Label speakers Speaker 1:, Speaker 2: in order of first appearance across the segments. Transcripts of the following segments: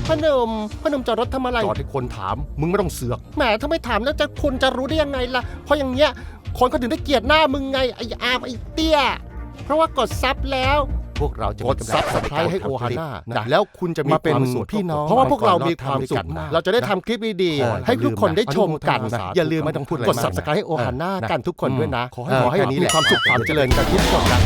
Speaker 1: พ่อหนุ่มจอดรถทำอะไรจอดให้คนถามมึงไม่ต้องเสือกแหมถ้าไม่ถามแล้วคุณจะรู้ได้ยังไงล่ะเพราะอย่างเงี้ยคนเขาถึงได้เกลียดหน้ามึงไงไอ้อาร์มไอ้เตี้ยเพราะว่ากดซับแล้วพวกเราจะกดซับสไครต์ให้โอฮาน่านะแล้วคุณจะมีความสุขพี่น้องเพราะว่าพวกเรามีความสุขเราจะได้ทำคลิปดีๆให้ทุกคนได้ชมกันอย่าลืมไม่ต้องพูดกดซับสไครต์ให้โอฮาน่ากันทุกคนด้วยนะขอให้มีความสุขความเจริญกันทุกคนนะ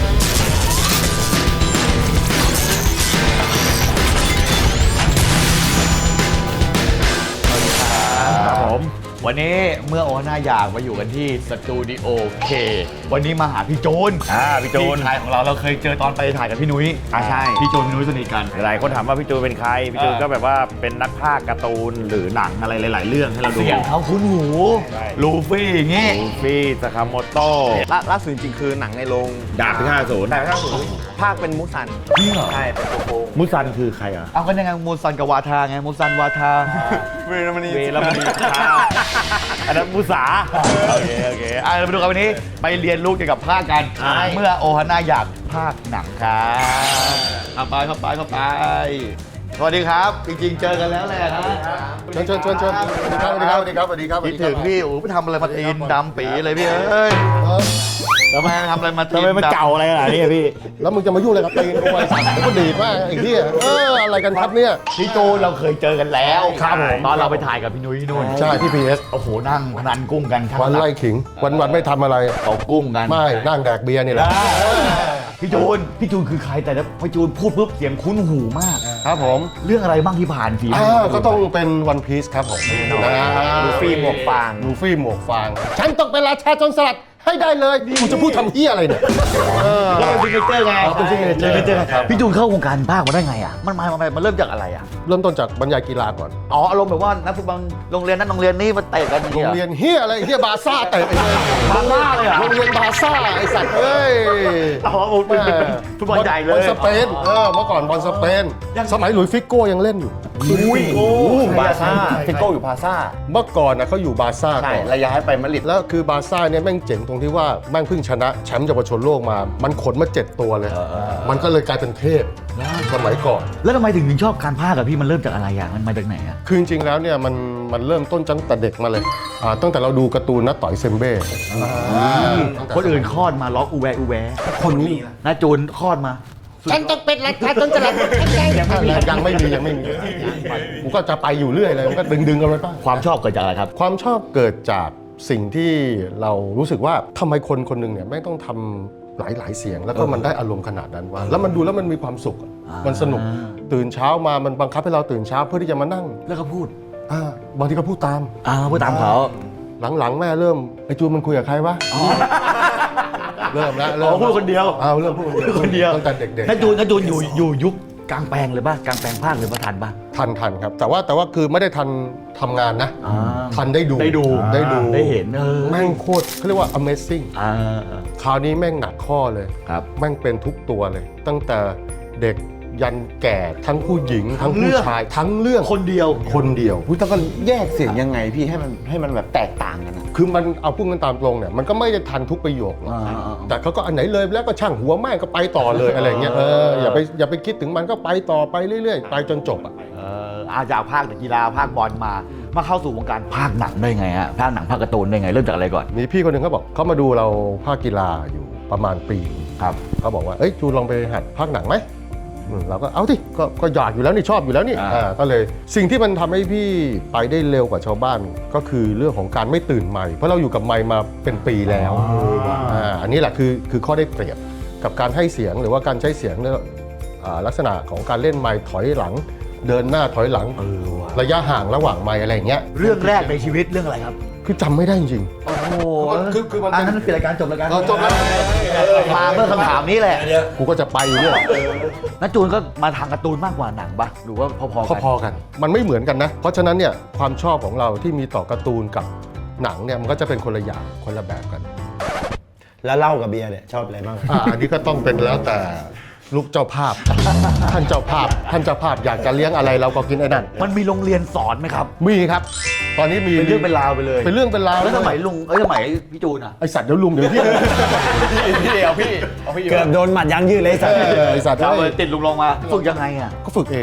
Speaker 2: วันนี้เมื่อโอฮาน่าอยากมาอยู่กันที่สตูดิโอเควันนี้มาหาพี่โจนพี่โจนชายของเราเคยเจอตอนไปถ่ายกับพี่นุ้ยใช่พี่โจนพี่นุ้ยสนิทกัน
Speaker 3: หลายคนถามว่าพี่จูนเป็นใครพี่จูนก็แบบว่าเป็นนักพากย์การ์ตูนหรือหนังอะไรหลายๆเรื่องให้เราดู
Speaker 2: เสียงเขาคุ้นหูลูฟี่อย่างงี้
Speaker 3: ลูฟี่ซากาโมโต้
Speaker 4: ล่าสุดจริงๆคือหนังในโรง
Speaker 3: ดาบพิฆาตอสูร
Speaker 4: ภาคเป็นมุซันใช่เป็นโกง
Speaker 3: มุซันคือใครอ่ะ
Speaker 2: เอากันยังไงมูซันกับวาทาไงมูซันวาทา
Speaker 4: เวรมณี
Speaker 3: อันนั้นมุสาโอเค
Speaker 2: เราไปดูกันวันนี้ไปเรียนรู้เกี่ยวกับภาคกันเมื่อโอฮาน่าอยากภาคหนังครับเข้าไปสวัสดีครับจริงๆเจอกันแล้วแหละนะ
Speaker 1: ชวนสวัสดีครับ
Speaker 2: คิดถึงพี่โอ้ไปทำอะไรมาตีนดำปีเลยพี่เอ้ยทำไมทำอะไรมาตีน
Speaker 3: มันเก่าอะไรขนาดนี้พี่
Speaker 1: แล้วมึงจะมายุ่งอะไรกับตีนกูไอ้สัตว์มันก็ดีดมากไอ้เหี้ยอะไรกันครับเนี่ย
Speaker 2: พี่โจเราเคยเจอกันแล้วครับผมตอนเราไปถ่ายกับพี่นุ้ยนู่น
Speaker 1: ใช่ที่ PS
Speaker 2: โอ้โหนั่งพนันกุ้งกัน
Speaker 1: วันไล่ขิงวันไม่ทำอะไร
Speaker 2: ตกกุ้งกัน
Speaker 1: ไม่นั่งแดกเบียร์นี่แหละ
Speaker 2: พี่จูนคือใครแต่แล้วพี่จูนพูดปุ๊บเสียงคุ้นหูมาก
Speaker 1: ครับผม
Speaker 2: เรื่องอะไรบ้างที่ผ่านฝีมือ
Speaker 1: ก็ต้องเป็นวันพีซครับผม
Speaker 4: ลูฟี่หมวกฟาง
Speaker 1: ฉันต้องเป็นราชาโจรสลัดให้ได้เลยกูจะพูดทำเหี้ยอะไรเนี่ย
Speaker 2: แล้วเป็นซิกเนเจอร์ไงเป็นซิกเนเจอร์พี่จูนเข้าวงการภาคมาได้ไงอ่ะมันเริ่มจากอะไรอ่ะ
Speaker 1: เริ่มต้นจากบรรยายกีฬาก่อน
Speaker 2: อารมณ์แบบว่านักฟุตบอลโรงเรียนนั้นโรงเรียนนี้มาเตะกัน
Speaker 1: โรงเรียนเหี้ยอะไรเหี้ยบาซ่าเตะ
Speaker 2: บาซ่าเลยอ่ะ
Speaker 1: โรงเรียนบาซ่าไอ้สัตว์เอ้ย
Speaker 2: เป็นฟุตบอลใหญ่เลย
Speaker 1: บอลสเปนเมื่อก่อนบอลสเปนสมัยหลุยส์ฟิโก้ยังเล่นอยู่
Speaker 4: บาซ่าฟิโก้อยู่บาซ่า
Speaker 1: เมื่อก่อนนะเขาอยู่บาซ่าก่อน
Speaker 4: ระยะให้ไปมาดริด
Speaker 1: แล้วคือบาซ่าเนี่ยแม่งเจ๋งตรงที่ว่าแม่งเพิ่งชนะแชมป์เยาวชนโลกมามันขนมา7ตัวเลยมันก็เลยกลายเป็นเทพสมัยก่อน
Speaker 2: แล้วทำไมถึงชอบการพากย์กับพี่มันเริ่มจากอะไรอ่ะมันมาจากไหนอ่ะ
Speaker 1: คือจริงๆแล้วเนี่ยมันเริ่มต้นตั้งแต่เด็กมาเลยตั้งแต่เราดูการ์ตูนนะต่อยเซมเบ้
Speaker 2: คนอื่นคลอดมาล็อกอูแว
Speaker 1: คนนี้
Speaker 2: นะจูนคลอดมา
Speaker 1: ฉันต้องเป็นราชาโจรสลัดยังไม่มีกูก็จะไปอยู่เรื่อยเลยมันก็ดึงกันไปบ้าง
Speaker 2: ความชอบเกิดจากอะไรครับ
Speaker 1: ความชอบเกิดจากสิ่งที่เรารู้สึกว่าทำไมคนหนึ่งเนี่ยไม่ต้องทำหลายเสียงแล้วก็มันได้อารมณ์ขนาดนั้นวะแล้วมันดูแล้วมันมีความสุขมันสนุกตื่นเช้ามามันบังคับให้เราตื่นเช้าเพื่อที่จะมานั่ง
Speaker 2: แล้วก็พูด
Speaker 1: บางทีก็พูดตาม
Speaker 2: เขา
Speaker 1: หลังแม่เริ่มไอ้จูนมันคุยกับใครวะเริ่ม
Speaker 2: พูดคนเดียว
Speaker 1: เริ่มพูดคนเดียวตั้งแต่เด็กๆ
Speaker 2: น้าจูนอยู่ยุคกลางแปลงเลยป่ะกลางแปลงภาคหรือทันป่ะ
Speaker 1: ทันครับแต่ว่าคือไม่ได้ทันทำงานนะทันได้ดู
Speaker 2: ได้เห็น
Speaker 1: แม่งโคตรเขาเรียกว่า amazing คราวนี้แม่งหนักข้อเลยแม่งเป็นทุกตัวเลยตั้งแต่เด็กยันแก่ทั้งผู้หญิงทั้งผู้ชายทั้งเรื่อง
Speaker 2: คนเดียว
Speaker 4: พี่ต้องแยกเสียงยังไงพี่ให้มันแบบแตกต่างกันนะ
Speaker 1: คือมันเอาพูดกันตามตรงเนี่ยมันก็ไม่ได้ทันทุกประโยคหรอกแต่เขาก็อันไหนเลยแล้วก็ช่างหัวแม่งก็ไปต่อเลยอะไรเงี้ยอย่าไปคิดถึงมันก็ไปต่อไปเรื่อยๆไปจนจบ
Speaker 2: จากภาคกีฬาภาคบอลมาเข้าสู่วงการภาคหนังได้ไงฮะภาคหนังภาคการ์ตูนได้ไงเริ่มจากอะไรก่อน
Speaker 1: มีพี่คนหนึ่งเขาบอกเขามาดูเราภาคกีฬาอยู่ประมาณปี
Speaker 2: ครับ
Speaker 1: เขาบอกว่าจูลองไปหัดภาคหนังไหมเราก็เอาที่ก็อยากอยู่แล้วนี่ชอบอยู่แล้วนี่ก็เลยสิ่งที่มันทำให้พี่ไปได้เร็วกว่าชาวบ้านก็คือเรื่องของการไม่ตื่นใหม่เพราะเราอยู่กับไมค์มาเป็นปีแล้วอันนี้แหละคือข้อได้เปรียบกับการให้เสียงหรือว่าการใช้เสียงลักษณะของการเล่นไมค์ถอยหลังเดินหน้าถอยหลังระยะห่างระหว่างไมค์อะไรอย่างเงี้ย
Speaker 2: เรื่องแรกในชีวิตเรื่องอะไรครับ
Speaker 1: คือจำไม่ได้จริง
Speaker 2: คือมันนั้นเป็นรายการจบรายการจบแล้วมาเมื่อคำถามนี้แหละ
Speaker 1: กูก็จะไปอยู่เนี่ย
Speaker 2: น้าจูนก็มาทางการ์ตูนมากกว่าหนังปะหรือว่า
Speaker 1: พอกันมันไม่เหมือนกันนะเพราะฉะนั้นเนี่ยความชอบของเราที่มีต่อการ์ตูนกับหนังเนี่ยมันก็จะเป็นคนละอย่างคนละแบบกัน
Speaker 4: แล้วเหล้ากับเบียร์เนี่ยชอบอะไรบ้าง
Speaker 1: อันนี้ก็ต้องเป็นแล้วแต่ลูกเจ้าภาพท่านเจ้าภาพอยากจะเลี้ยงอะไรเราก็กินไอ้นั่น
Speaker 2: มันมีโรงเรียนสอนไหมครับ
Speaker 1: มีครับตอนนี้มี
Speaker 2: เป็นเรื่องเป็นราวไปเลย
Speaker 1: เป็นเรื่องเป็นราว
Speaker 2: แล้วสมัยลุงสมัยพี่จูน
Speaker 1: ไอสัตว์เดี๋ยวลุงเดี๋ยวพี่
Speaker 4: พี่เกือบโดนหมัดยันยืดเลยไอสัตว์
Speaker 2: เราเลยติดลุงลงมาฝึกยังไงอ่ะ
Speaker 1: ก็ฝึกเอง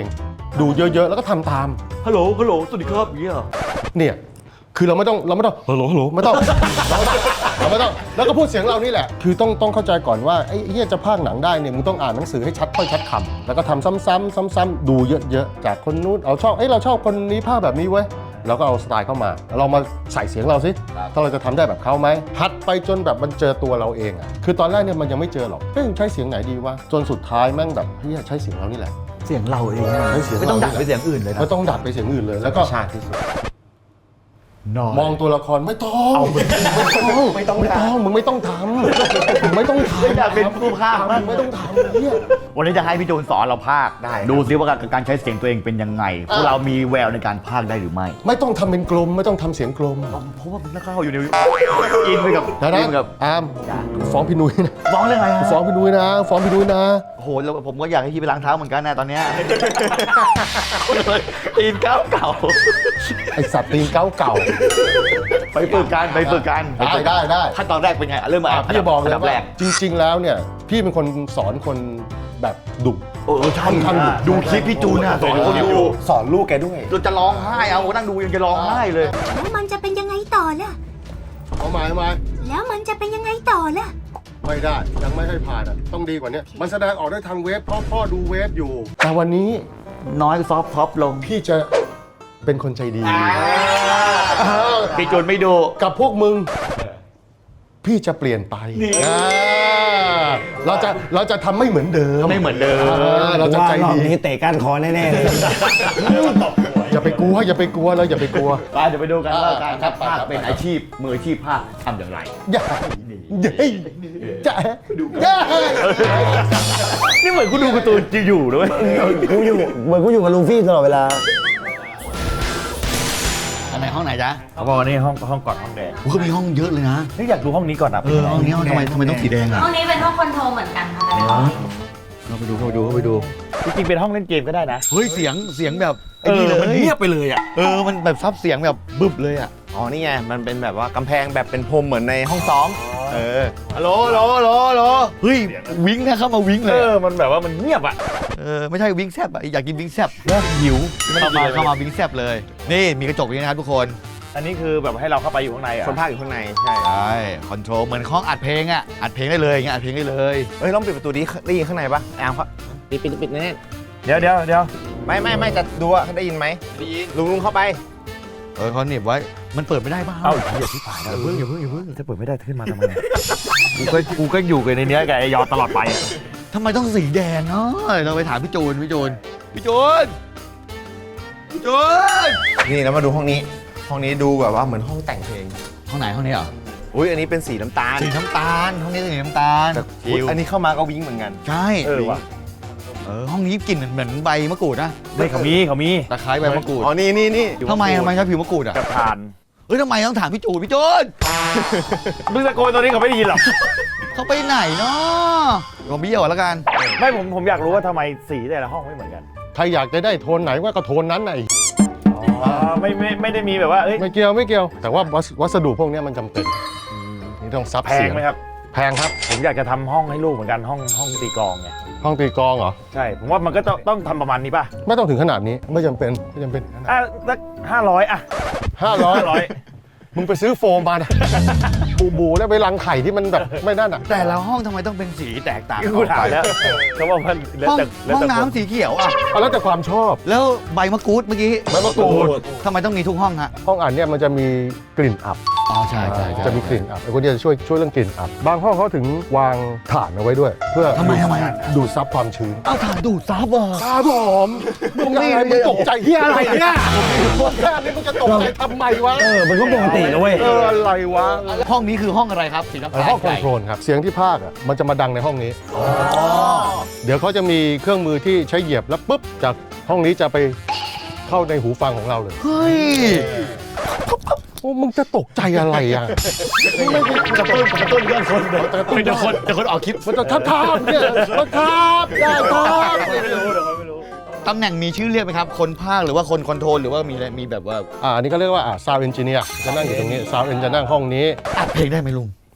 Speaker 1: ดูเยอะๆแล้วก็ทำตาม
Speaker 2: ฮัลโหลฮัลโหลสวัสดีครับอย่างเงี้ยเหรอ
Speaker 1: เนี่ยคือเราไม่ต้องฮัลโหลฮัลโหลไม่ต้องเราไม่ต้องแล้วก็พูดเสียงเรานี่แหละคือต้องเข้าใจก่อนว่าไอ้เหี้ยจะพากย์หนังได้เนี่ยมึงต้องอ่านหนังสือให้ชัดถ้อยชัดคำแล้วก็ทำซ้ำๆดูเยอะๆจากคนนู้นเราชอบคนนี้พากย์แบบนี้เว้ยเราก็เอาสไตล์เข้ามาเรามาใส่เสียงเราสิถ้าเราจะทำได้แบบเขาไหมหัดไปจนแบบมันเจอตัวเราเองอ่ะคือตอนแรกเนี่ยมันยังไม่เจอหรอกใช้เสียงไหนดีวะจนสุดท้ายแม่งแบบเฮ้ยใช้เสียงเรานี่แหละ
Speaker 2: เสียงเราเอง
Speaker 1: ใช้เสียง
Speaker 2: ไม่
Speaker 1: เรา
Speaker 2: ต้องดัดไปเสียงอื่นเลยนะ
Speaker 1: ไม่ต้องดัดไปเสียงอื่นเลยแล้วก็
Speaker 4: ชาติที่สุด
Speaker 1: มองตัวละครไม่ต้องมึงไม่ต้องทำมึงไม่ต้องทำ
Speaker 2: ไม่อยากเป็นผู้พากย์
Speaker 1: มึงไม่ต้องทำเนี่ย
Speaker 2: วันนี้จะให้พี่โจนสอนเราพากย์
Speaker 4: ได้
Speaker 2: ดูซิว่าการใช้เสียงตัวเองเป็นยังไงพวกเรามีแววในการพากย์ได้หรือไม่
Speaker 1: ไม่ต้องทำเป็นกลมไม่ต้องทำเสียงกลม
Speaker 2: เพราะว่ามันนักข่าวอยู่ในอินไปกับ
Speaker 1: นะ
Speaker 2: อินไปกับ
Speaker 1: อามฟ้องพี่นุ้ยนะ
Speaker 2: ฟ้องเรื่องอะไรฮะ
Speaker 1: ฟ้องพี่นุ้ยนะฟ้องพี่นุ้ยนะ
Speaker 2: โอ้โหแล้วผมก็อยากให้พี่ไปล้างเท้าเหมือนกันนะตอนเนี้ยตีนเก่า
Speaker 1: ไอสัตว์ตีนเก่า
Speaker 2: ไปฝึกกันไปฝึกกัน
Speaker 1: ได้
Speaker 2: ขั้นตอนแรกเป็นไงเริ่มมา
Speaker 1: พี่จะบอกเลย
Speaker 2: อันดับแร
Speaker 1: ว่าก จริง ๆ แล้วเนี่ยพี่เป็นคนสอนคนแบบดุ
Speaker 2: ใช่
Speaker 1: ค่อนข้างดุ
Speaker 2: ดูคลิปพี่จูนอะสอนคนดู
Speaker 4: สอนลูกแกด้วย
Speaker 2: เราจะร้องไห้เอานั่งดูยังจะร้องไห้เลย
Speaker 5: แล้วมันจะเป็นยังไงต่อล่ะ
Speaker 1: เอาหมาย
Speaker 5: แล้วมันจะเป็นยังไงต่อล่ะ
Speaker 1: ไม่ได้ยังไม่ให้ผ่านอ่ะต้องดีกว่านี้มันแสดงออกได้ทางเว็บเพราะพ่อดูเว็บอยู่ แต่วันนี้
Speaker 2: น้อยซอฟต์ท็อปลง
Speaker 1: พี่จะเป็นคนใจดี
Speaker 2: พี่จูนไม่ดู
Speaker 1: กับพวกมึง พี่จะเปลี่ยนไปอ่าเราจะทำไม่เหมือนเดิม
Speaker 2: ไม่เหมือนเดิม
Speaker 1: เราจะใจ
Speaker 6: ว่ารอบ
Speaker 1: ดี
Speaker 6: นี้เตะก้านคอแน่ๆเลย
Speaker 1: อย่าไปกลัวเลยอย่าไปกลัว
Speaker 2: ไปเดี๋ยวไปดูกันว่าการคัดภาคเป็นอาชีพมืออาชีพภาคทำอย่างไร
Speaker 1: อย่าจะ
Speaker 3: นี่เหมือนกูดูการ์ตูนอยู่ด้วย
Speaker 6: กูอยู่เหมือนกูอยู่กับลูฟี่ตลอดเวลา
Speaker 2: อันไหนห้องไหนจ๊ะ
Speaker 3: เขาบอกว่านี่ห้องก่อนห้องแดง
Speaker 2: ก็มีห้องเยอะเลยนะ
Speaker 3: นี่อยากดูห้องนี้ก่อนนะ
Speaker 2: ห้องนี้ทำไมต้องสีแดงอ่ะ
Speaker 7: ห้องนี้เป็นห้องคอนโทรลเหมือนกันค่ะ
Speaker 2: เข้าไปดู
Speaker 3: จริงๆเป็นห้องเล่นเกมก็ได้นะ
Speaker 2: เฮ้ยเสียงแบบไอ้นี่เลย
Speaker 3: มันเงียบไปเลยอ่ะ
Speaker 2: มันแบบซับเสียงแบบบึบเลยอ่ะ
Speaker 4: อ๋อ นี่ไง มันเป็นแบบว่ากำแพงแบบเป็นพรมเหมือนในห้องซ้อม
Speaker 2: ฮัลโหลเฮ้ยวิ้งนะเข้ามาวิ้งเลย
Speaker 3: มันแบบว่ามันเงียบอ่ะ
Speaker 2: ไม่ใช่วิ้งแซบอะอยากกินวิ้งแซบหิวเข้ามาวิ้งแซบเลย นี่มีกระจกอย่างนี้นะครับทุกคน
Speaker 3: อันนี้คือแบบให้เราเข้าไปอยู่ข้างในอ่ะ
Speaker 4: คนภาคอยู่ข้างใน ใช่
Speaker 2: ใช่คอนโทรลเหมือนห้องอัดเพลงอะอัดเพลงได้เลยอย่างเงี้ยอัดเพลงได้เลย
Speaker 4: เฮ้ยลองปิดประตูนี้ได้ยินข้างในปะแอมครับปิดแน่
Speaker 3: เดี๋ยว
Speaker 4: ๆไม่จะดูว่าได้ยินไหมได้ยินลุงเข้าไป
Speaker 2: เขาหนีบไว้มันเปิดไม่ได้ป่ะ
Speaker 3: เอ้าเหี้ยที่ผ่านแล้วอย่าเพิ่งจะเปิดไม่ได้ขึ้นมาทำไมกูก็อยู่กันในเนี้ยกับไอ้ยอตลอดไปอ่ะ
Speaker 2: ทำไมต้องสีแดงเนาะเราไปถามพี่จูน
Speaker 4: นี่แล้วมาดูห้องนี้ ห้องนี้ดูแบบว่าเหมือนห้องแต่งเพลง
Speaker 2: ห้องไหนห้องนี้เหรอ
Speaker 4: อุ้ยอันนี้เป็นสีน้ำตาล
Speaker 2: สีน้ำตาลห้องนี้สีน้ำตาล
Speaker 4: อุ๊ยอันนี้เข้ามาก็วิ้งเหมือนกัน
Speaker 2: ใช่
Speaker 3: ว่ะ
Speaker 2: ห้องนี้กลิ่นเหมือนใบมะกรูดนะ
Speaker 3: ไม่เขามี
Speaker 2: ตะไคร้ใบมะกรูด
Speaker 4: อ๋อ นี่
Speaker 2: ทำไมชอบผิวมะกรูดอ่ะ
Speaker 3: กระทาน
Speaker 2: ทำไมต้องถามพี่จูน
Speaker 3: มึงตะโกนตอนนี้เขาไม่ได้ยินหรอก
Speaker 2: เขาไปไหนเนาะก็เบี้ยวแล้วกัน
Speaker 3: ไม่ผมอยากรู้ว่าทำไมสีแต่ละห้องไม่เหมือนกัน
Speaker 1: ใครอยากจะได้โทนไหนว่าก็โทนนั้นไอ้
Speaker 3: ไม่ได้มีแบบว่าเอ้ย
Speaker 1: ไม่เกี่ยว แต่ว่าวัสดุพวกเนี้ยมันจำเป็นนี่ต้องซับ
Speaker 3: แพ
Speaker 1: เสี
Speaker 3: ง
Speaker 1: ยง
Speaker 3: ไหมครับ
Speaker 1: แพงครับ
Speaker 3: ผมอยากจะทำห้องให้ลูกเหมือนกันห้องตีกลองไง
Speaker 1: ห้องตีกลองเหรอ
Speaker 3: ใช่ผมว่ามันก็ต้องทำประมาณนี้ป่ะ
Speaker 1: ไม่ต้องถึงขนาดนี้ไม่จำเป็น
Speaker 3: อ่ะสัก500อ่ะ
Speaker 1: 500มึงไปซื้อโฟมมานะบูแล้วไปรังไข่ที่มันแบบไม่นั่นอ่ะ
Speaker 2: แต่ละห้องทำไมต้องเป็นสีแตกต่าง
Speaker 3: กูถามแล้วเขาบอกว่าแล้ว
Speaker 2: ห้อง
Speaker 3: แต่แล้ว
Speaker 2: ห้อง
Speaker 3: แต่
Speaker 2: น้ำสีเขียวอ่ะ
Speaker 1: เอาแล้วแต่ความชอบ
Speaker 2: แล้วใบมะกรูดเมื่อกี้
Speaker 1: ใบมะกรูด
Speaker 2: ทำไมต้องมีทุกห้องฮะ
Speaker 1: ห้องอ่านเนี่ยมันจะมีกลิ่นอับ
Speaker 2: อ๋อใช่
Speaker 1: จะมีกลิ่นอับไอ้คนเนี้จะช่วยเรื่องกลิ่นอับบางห้องเขาถึงวางถ่านเอาไว้ด้วย เพื่อ
Speaker 2: ทำไมอะ
Speaker 1: ดูดซับความชื้น
Speaker 2: เอาถ่านดูดซับอ่ะ
Speaker 1: ครับผมมึงอะไรมึงตกใจที่อะไรเนี่ยพวกแค่นี้มึงจะตกใจทำไมวะ
Speaker 6: มันก็ปกตินะเว้ย
Speaker 1: อะไรวะ
Speaker 2: ห้องนี้คือห้องอะไรครับสีน้ำตาล
Speaker 1: ห้องคอนโทรลครับเสียงที่พากย์อ่ะมันจะมาดังในห้องนี้เดี๋ยวเขาจะมีเครื่องมือที่ใช้เหยียบแล้วปุ๊บจากห้องนี้จะไปเข้าในหูฟังของเราเลย
Speaker 2: เฮ้ย
Speaker 1: โอ้มึงจะตกใจอะไรอ่ะมึงไม่กระตุ้นเรื่องคนเดี๋ยวกระตุ้นคนออกคลิปมันจะทับเนี่ยมันทับได้ครับ
Speaker 2: ตำแหน่งมีชื่อเรียกไหมครับ คนภาคหรือว่าคนคอนโทรลหรือว่ามีแบบว่า
Speaker 1: อันนี้ก็เรียกว่าซาวด์เอนจิเนียร์จะนั่งอยู่ตรงนี้ซาวด์เอนจะนั่งห้องนี้
Speaker 2: อัดเพลงได้ไหมลุง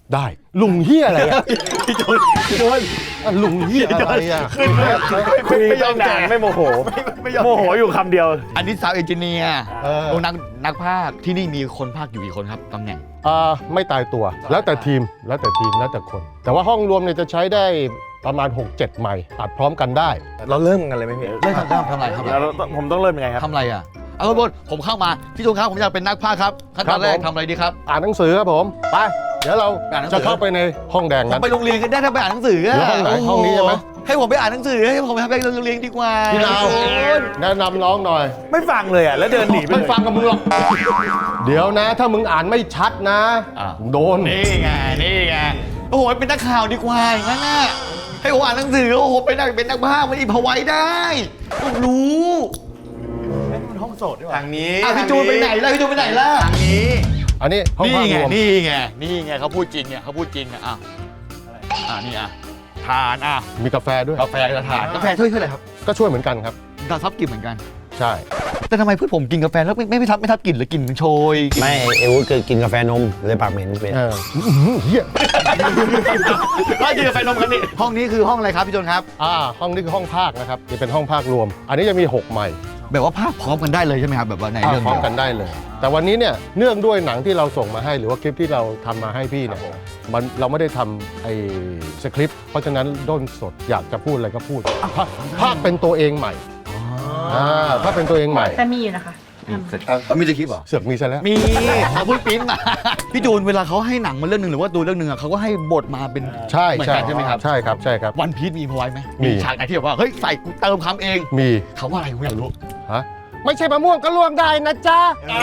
Speaker 1: ได้ลุงเฮียอะไรอ่ะ
Speaker 2: พี่จูน
Speaker 1: อ่ะลุงเฮียอะไรอ่ะ
Speaker 3: ไม่ยอมนานไม่โมโห
Speaker 2: ไม่ยอม
Speaker 3: โมโหอยู่คำเดียว
Speaker 2: อันนี้สาวเอนจิเนียร์
Speaker 1: เออ
Speaker 2: นักภาคที่นี่มีคนภาคอยู่กี่คนครับตำแหน่ง
Speaker 1: ไม่ตายตัวแล้วแต่ทีมแล้วแต่คน แต่ว่าห้องรวมเนี่ยจะใช้ได้ประมาณ 6-7 ไมค์อัดพร้อมกันได้
Speaker 4: เราเริ่มกันเลยไหมพี่
Speaker 2: เล่นทำอะไรครับ
Speaker 3: แล้วผมต้องเริ่มยังไงครับ
Speaker 2: ทำอะไรอ่ะเอาบนผมเข้ามาพี่จูนครับผมอยากเป็นนักภาคครับขั้นตอนแรกทำอะไรดีครับ
Speaker 1: อ่านหนังสือครับผมไปเดี๋ยวเรา
Speaker 2: อ่านหนังสือ
Speaker 1: จะเข้าไปในห้องแดง
Speaker 2: ผม
Speaker 1: นั้น
Speaker 2: ไปโรงเรียนกันได้ถ้าไปอ่านหนังสืออะ
Speaker 1: แล้วห้องไหนห้องนี้ใช่ไหม
Speaker 2: ให้ผมไปอ่านหนังสือให้ผมไปโรงเรียนดีกว่า
Speaker 1: พี่นาวแนะนำน้องหน่อย
Speaker 3: ไม่ฟังเลยอ่ะ แล้วเดินหนีไป
Speaker 1: ไม่
Speaker 3: เลย
Speaker 1: ฟังกับมึงหรอกเดี๋ยวนะ ถ้ามึงอ่านไม่ชัดนะ โดน
Speaker 2: นี่ไงโอ้โหเป็นนักข่าวดีกว่าอย่างนั้นน่ะให้ผมอ่านหนังสือโอ้โหเป็นนักภาคไม่ได้พอไว้ได้ผมรู้
Speaker 3: ห้องโสดด้วย
Speaker 4: ทางนี้
Speaker 2: พี่จูนไปไหนล่ะพี่จูนไปไหนล่ะ
Speaker 4: ทางนี้
Speaker 1: อันนี้ห้อง
Speaker 2: นี่
Speaker 1: ภาพ
Speaker 2: ไง
Speaker 1: รวม
Speaker 2: นี่ไงเขาพูดจริงเนี่ยเขาพูดจริงอ่ะนี่อ่ะทานอ่ะ
Speaker 1: มีกาแฟด้วย
Speaker 2: กาแฟกระถานกาแฟช่วยอะไรครับ
Speaker 1: ก็ช่วยเหมือนกันครับ
Speaker 2: ดาวทับกลิ่นเหมือนกัน
Speaker 1: ใช่
Speaker 2: แต่ทำไมเพื่อนผมกินกาแฟแล้วไม่ทับกลิ่นหรือกลิ่นมันโชย
Speaker 6: ไม่เอวูเคยกินกาแฟนมเลยปากเหม็นเป็น
Speaker 1: เฮีย
Speaker 2: ก็กินกาแฟนมกันนี่ห้องนี้คือห้องอะไรครับพี่โจนครับ
Speaker 1: ห้องนี้คือห้องภาคนะครับจะเป็นห้องภาครวม อันนี้จะมี 6 ไมค์
Speaker 2: แบบว่าภาคพร้อมกันได้เลยใช่ไหมครับแบบว่าใน
Speaker 1: ภาค
Speaker 2: เรื่อง
Speaker 1: พร้อม
Speaker 2: เดียว
Speaker 1: กันได้เลย แต่วันนี้เนี่ยเนื่องด้วยหนังที่เราส่งมาให้หรือว่าคลิปที่เราทำมาให้พี่เนี่ยเราไม่ได้ทำไอ้สคริปต์เพราะฉะนั้นด้นสดอยากจะพูดอะไรก็พูดภาคเป็นตัวเองใหม่ภาคเป็นตัวเองใหม่
Speaker 7: แต่มีอยู่นะคะ
Speaker 2: มีจะคลิปเหรอ
Speaker 1: เสือกมีซะแล้ว
Speaker 2: มีเขาพูดปิ้นมาพี่จูนเวลาเขาให้หนังมาเรื่องหนึ่งหรือว่าดูเรื่องหนึ่งอะเขาก็ให้บทมาเป็น
Speaker 1: ใช่
Speaker 2: เหมือน
Speaker 1: ใช่
Speaker 2: กันใช่ไหมครับ
Speaker 1: ใช่ครับใช่ครับ
Speaker 2: วันพีชมีพอไว้ไหม
Speaker 1: มี
Speaker 2: ฉากไหนที่แบบว่าเฮ้ยใส่กูเติมคำเอง
Speaker 1: มี
Speaker 2: เขาว่าอะไรผมอยากรู้
Speaker 1: ฮะไม่ใช่มะม่วงก็ล่วงได้นะจ๊ะ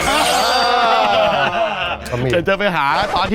Speaker 1: ก็มี
Speaker 2: เดี๋ยวจะไปหาตอนที่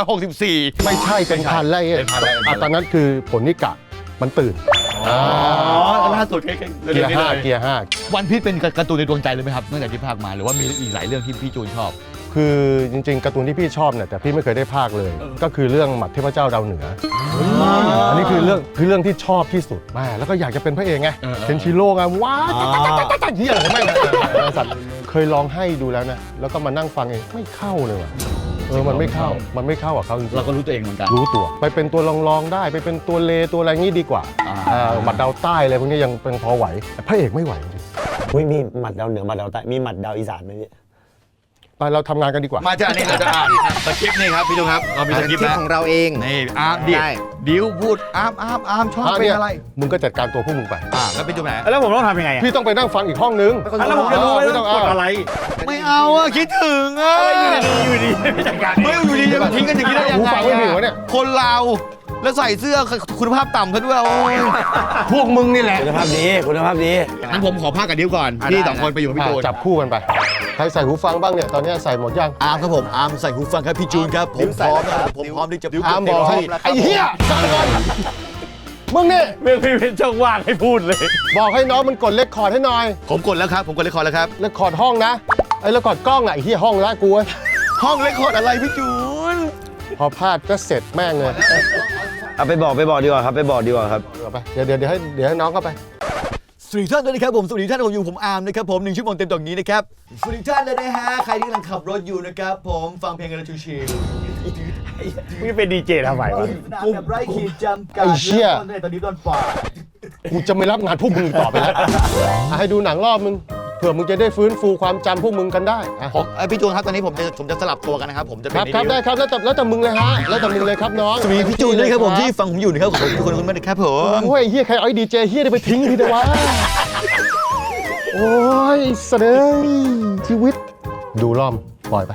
Speaker 2: 164
Speaker 1: ไม่ใช่เป็นพันไล่
Speaker 2: เป็นพันไร่
Speaker 1: ตอนนั้นคือผลนิกะมันตื่น
Speaker 2: ล่าสุดแค่
Speaker 1: เกียร์ห้าเกียร์ห้า
Speaker 2: วันพีชเป็นการ์ตูนในดวงใจเลยไหมครับตั้งแต่ที่ภาคมาหรือว่ามีอีกหลายเรื่องที่พี่จูนชอบ
Speaker 1: คือจริงๆการ์ตูนที่พี่ชอบเนี่ยแต่พี่ไม่เคยได้ภาคเลย ก็คือเรื่องหมัดเทพเจ้าดาวเหนืออันนี้คือเรื่องที่ชอบที่สุดแม่แล้วก็อยากจะเป็นพระเอกไงเซนชิโร่ไงว้าวจ๊ะเฮียอะไรไม่สัตว์เคยลองให้ดูแล้วนะแล้วก็มานั่งฟังเองไม่เข้าเลยว่ะมันไม่เข้ากับเขาจริงๆ
Speaker 2: เราก็รู้ตัวเองเหมือนกัน
Speaker 1: รู้ตัวไปเป็นตัวรองๆได้ไปเป็นตัวเลตัวอะไรงี้ดีกว่าหมัดดาวใต้อะไรพวกนี้ยังเป็นพอไหวแต่พระเอกไม่ไหวจริง
Speaker 6: มีหมัดดาวเหนือหมัดดาวใต้มีหมัดดาวอีสานไหมพี่
Speaker 1: ไปเราทำงานกันดีกว่า
Speaker 2: มาจากนี่เราจะอ่านสคริปต์นี่ครับพี่จูนครับเรามีสคริปต์
Speaker 4: คลิป
Speaker 2: แล้ว
Speaker 4: ของเราเอง
Speaker 2: นี่อาร์มดิ
Speaker 4: ได้
Speaker 2: ดิวพูดอาร์มชอบเป็นอะไร
Speaker 1: มึงก็จัดการตัวพวกมึงไป
Speaker 2: แล้วพี่จูนไหน
Speaker 3: แล้วผมต้องทำยังไงอ่ะ
Speaker 1: พี่ต้องไปนั่งฟังอีกห้องนึง
Speaker 3: แล้วผมจะรู้ว่าต้องกดอะไร
Speaker 2: ไม่เอาอะคิดถึงอะ
Speaker 3: อยู่ดีไม่จัดการ
Speaker 2: ไม่อยู่ดีจะมาทิ้งกันอย่างนี้ได้ยัง
Speaker 1: หู
Speaker 2: ไง
Speaker 1: ฟังไม่ถึงวะเนี่ย
Speaker 2: คนเราแล้วใส่เสื้อคุณภาพต่ำซะด้วยโอ้ย
Speaker 1: พวกมึงนี่แหละ
Speaker 6: คุณภาพดีคุณภาพดี
Speaker 2: งั้นผมขอภาคกับดิวก่อนพี่สองคนไปอยู่กับพี่จูน
Speaker 1: จับคู่กันไปใครใส่หูฟังบ้างเนี่ยตอนนี้ใส่หมดยัง
Speaker 2: อาร์มครับผมอาร์มใส่หูฟังครับพี่จูนครับผมพร้อมนะครับผมพร้อมที่จะพูด
Speaker 1: อาร์มบอกให้ไอ้เหี้ยฟังก่อนมึงเนี่ย
Speaker 3: เมื่อพี่เป็นช่องว่างให้พูดเลย
Speaker 1: บอกให้น้องมันกดเลคคอร์ดให้หน่อย
Speaker 2: ผมกดแล้วครับผมกดเรคคอร์ดแล้วครับ
Speaker 1: เลคคอร์ดห้องนะไอ้เลคคอร์ดกล้องอะไอ้เหี้ยห้องละกูเว้ย
Speaker 2: ห้องเรคคอร์ดอะไรพี่จูน
Speaker 1: พอพลาดก็เสร็จแม่งเลย
Speaker 6: เอาไปบอกดีกว่าครับไปบอกดีกว่าครับ
Speaker 1: เอาไปเดี๋ยวให้น้องเข้าไป
Speaker 2: สวัสดีท่านด้วยนะครับผมสวัสดีท่านผมอยู่ผมอาร์มนะครับผม1 ชั่วโมงเต็มตรงนี้นะครับสวัสดีท่านเลยนะฮะใครที่กำลังขับรถอยู่นะครับผมฟังเพลงกันชิล
Speaker 3: มึงจะเป็นดีเจทำไมวะ
Speaker 2: แบบไร้ขีดจำกัด
Speaker 1: ไอ้เชี่ย
Speaker 2: ตอนนี้ตอนฝ่า
Speaker 1: กูจะไม่รับงานพวกมึงอีกต่อไปแล้วให้ดูหนังรอบมึงเผื่อมึงจะได้ฟื้นฟูความจำพวกมึงกันได้อะ
Speaker 2: ผมพี่จูนครับตอนนี้ผมจะสลับตัวกันนะครับผมจะ
Speaker 1: ค
Speaker 2: เป็น
Speaker 1: รับครับได้ครับแล้วแต่มึงเลยฮะแล้วแต่มึงเลยครับน้อง
Speaker 2: สวัสดีพี่จูนด้วยครับผมที่ฟังผมอยู่นะครับผมทุกคนคุณไม่ได้ครับผม
Speaker 1: โอ้ยเฮียใครเอาไอ้ดีเจเฮียได้ไปทิ้งทีเดียววะโอ้ยเสดยชีวิตดูล่อมปล่อยไป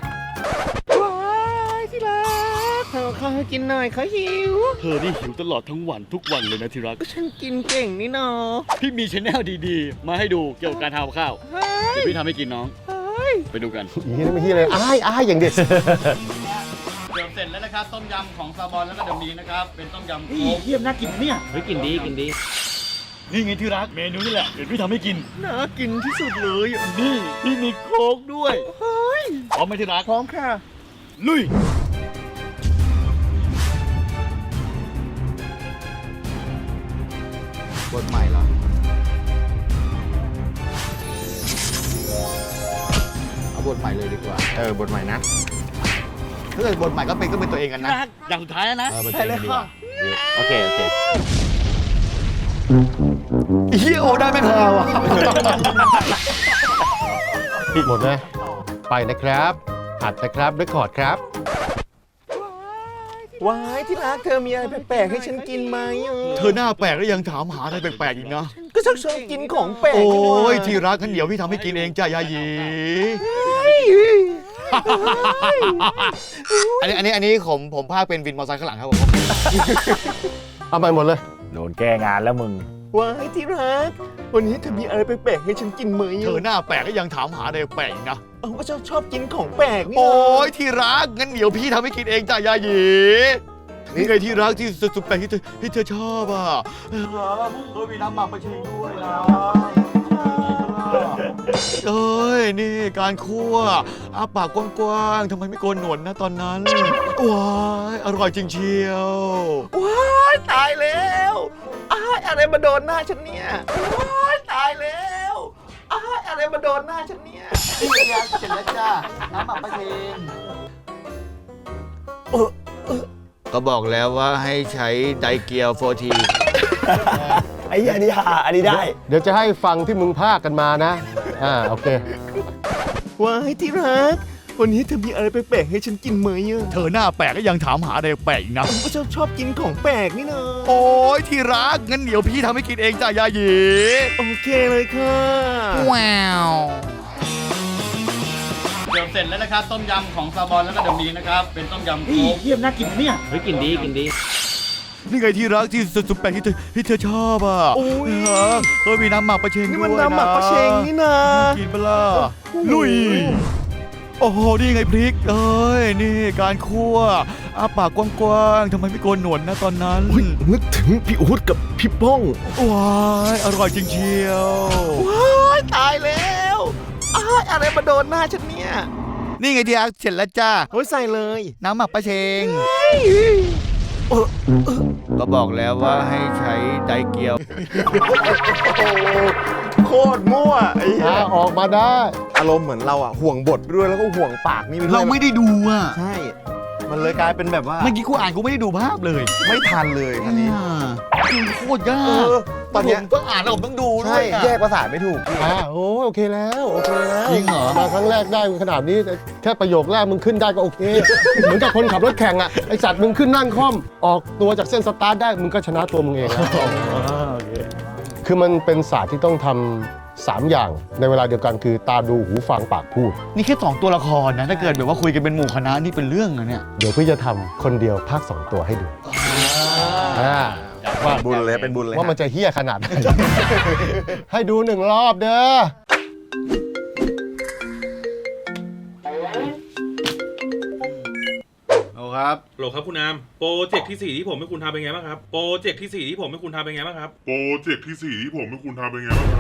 Speaker 4: ข้าวให้กินหน่อยเขาหิว
Speaker 8: เธอนี่หิวตลอดทั้งวันทุกวันเลยนะที่รัก
Speaker 4: ฉันกินเก่งนี่เนาะ
Speaker 8: พี่มีชแนลดีๆ มาให้ดูเกี่ยวกับการทำข้าว เดี๋ยวพี่ทำให้กินน้อง ไปดูกัน
Speaker 1: อีนี่ไม่เฮียเลยอ้ายอย่างเด็ด
Speaker 8: เสิร์ฟเสร็จแล้วนะครับ ต้มยำของซาบอนแล้วก็เดมีนะครับ เป็นต้มยำโค้ก
Speaker 3: เยี่ยมน่ากินเนี่ย
Speaker 8: เฮ้ยกินดีกินดี นี่ไงที่รักเมนูนี่แหละ เดี๋ยวพี่ทำให้กิน
Speaker 4: น่ากินที่สุดเลย
Speaker 8: นี่พี่มีโค้กด้วยพร้อมไหมที่รัก
Speaker 4: พร้อมค่ะ
Speaker 8: ลุย
Speaker 2: บทใหม่เหรอเอาบทใหม่เลยดีกว่า
Speaker 4: บทใหม่นะ
Speaker 2: ถ้าเกิดบทใหม่ก็เป็นตัวเองกันนะ
Speaker 8: อย่างสุดท้ายแล้วนะ
Speaker 2: เป็นตัวเองกันดีกว่า
Speaker 3: โอเค
Speaker 2: เฮียโอได้ไหมครับวะ
Speaker 1: หมดเลยไปนะครับอัดนะครับเรคคอร์ดครับ
Speaker 4: ว้ายที่รักเธอมีอะไรแปลกๆให้ฉันกินไหม
Speaker 2: เธอหน้าแปลกแล้วยังถามหาอะไรแปลกๆอีกนะ
Speaker 4: ก็ชอบกินของแปลก
Speaker 2: โอ้
Speaker 4: นี่นะ
Speaker 2: ยที่รักงั้นเดี๋ยวพี่ทำให้กินเองจ้ายายีอันนี้ผมภาคเป็นวินมอเตอร์ไซค์ข้างหลังครับผม
Speaker 1: เอาไปหมดเลย
Speaker 3: โดนแก้งานแล้วมึง
Speaker 4: ว้ายที่รักวันนี้เธอมีอะไรแปลกๆให้ฉันกินไหม
Speaker 2: เธอหน้าแปลกก็ยังถามหาอะไรแปลกอีกนะ
Speaker 4: ก็ชอบกินของแปลกนี่
Speaker 2: โอ้
Speaker 4: นะ
Speaker 2: ยที่รักงั้นเดี๋ยวพี่ทำให้กินเองจ้ายายีนี่ไงที่รักที่สุดแปลกที่เธอชอบอ่ะมีน้ำหมักมาเชงด้วยนะเอ้ยนี่การคั่วอ้าปากกว้างๆทำไมไม่โกนหนวดนะตอนนั้นว้ายอร่อยจริงเชียว
Speaker 4: ว้ายตายแล้วอ้ายอะไรมาโดนหน้าฉันเนี่ยว้ายตายแล้วอ้ายอะไรมาโดนหน้าฉันเนี่ย
Speaker 2: นี่ไงเสร็จแล้วจ้าน้ำหมักมาเชงก็บอกแล้วว่าให้ใช้ไดเกียวโฟที
Speaker 6: ไอ้เหี้ยอันนี้หาอันนี้ได้
Speaker 1: เดี๋ยวจะให้ฟังที่มึงพากกันมานะโอเค
Speaker 4: ว้ายที่รักวันนี้เธอมีอะไรแปลกๆให้ฉันกินไหม
Speaker 2: เธอหน้าแปลกก็ยังถามหาอะไรแปลกอีกนะ
Speaker 4: ก็ชอบกินของแปลกนี่นะ
Speaker 2: โอ้ยที่รักงั้นเดี๋ยวพี่ทำให้กินเองจ้ายายี
Speaker 4: โอเคเลยค่ะ
Speaker 8: เดี๋ยวเสร็จแล้วนะครับ ต้มยำของซาบอนแล้วก็เดมีนะครับ เป็นต้มยำโค้ก
Speaker 3: เยี่ยมน่ากินเนี่ย
Speaker 8: เฮ้ยกินดีกินดี
Speaker 2: นี่ไงที่รักที่สุดแปลกที่เธอชอบอ่ะ
Speaker 4: โอ้ย
Speaker 2: เฮ้ยมีน้ำหมักปลาเชง
Speaker 4: นี่
Speaker 2: ด้
Speaker 4: มัน
Speaker 2: วยนะ
Speaker 4: น้ำหมักปลาเชงนี่นะ
Speaker 2: กินเปล่าลุยโอ้โหนี่ไงพริกเอ้ยนี่การคั่วอ้าปากกว้างๆทำไมไม่โกนหนวดนะตอนนั้น
Speaker 4: นึกถึงพี่อู๊ดกับพี่ป้อง
Speaker 2: ว้ายอร่อยจริงเชียว
Speaker 4: ว้ายตายแล้วอ้ายอะไรมาโดนหน้าฉันเนี่ย
Speaker 2: นี่ไงที่รักเสร็จแล้วจ้า
Speaker 4: โอ้ยใส่เลย
Speaker 2: น้ำหมักปลาเชงก็บอกแล้วว่าให้ใช้ไดเกียว
Speaker 4: โคตรมั่วไอ้เหี้ย
Speaker 1: ออกมาได้
Speaker 4: อารมณ์เหมือนเราอ่ะห่วงบทด้วยแล้วก็ห่วงปากนี่ไปด้วย
Speaker 2: เราไม่ได้ดูอ่ะ
Speaker 4: ใช่ มันเลยกลายเป็นแบบว่า
Speaker 2: เมื่อกี้กูอ่านกูไม่ได้ดูภาพเลย
Speaker 4: ไม่ทันเลยคันนี้
Speaker 2: ดูโคตรยา
Speaker 4: เอก อตอนเนี้ย
Speaker 2: ผมต้องอ่านแล้วผมต้องดูด้
Speaker 4: ใช่
Speaker 2: วยอะ
Speaker 4: แยกภาษาไม่ถูกพี่
Speaker 1: โอเคแล้วโอเคแล้ว
Speaker 2: จริงเหรอ
Speaker 1: มาครั้งแรกได้ขนาดนี้แค่ประโยคแรกมึงขึ้นได้ก็โอเค เหมือนกับคนขับรถแข่งอ่ะไอสัตว์มึงขึ้นนั่งคล่อมออกตัวจากเส้นสตาร์ทได้มึงก็ชนะตัวมึงเองแล้วคือมันเป็นศาสตร์ที่ต้องทำ3 อย่างในเวลาเดียวกันคือตาดูหูฟังปากพูด
Speaker 2: นี่แค่2ตัวละครนะ ถ้าเกิดแบบว่าคุยกันเป็นหมู่คณะนี่เป็นเรื่องนะเนี่ย
Speaker 1: เดี๋ยวพี่จะทำคนเดียวภาค2 ตัวให้ดูว่า
Speaker 4: บุญเลยเป็นบุญเลย
Speaker 1: ว่ามันจะเฮี้ยขนาดไหน ให้ดู1 รอบเด้อ
Speaker 8: โอ้ครับโหลครับคุณอามโปรเจกต์ที่ 4 ที่ผมให้คุณทำเป็นไงบ้างครับ โปรเจกต์ที่ 4 ที่ผมให้คุณทำเป็นไงบ้างครับ
Speaker 9: โปรเจกต์ที่ 4 ที่ผมให้คุณทำเป็นไงบ้างครับ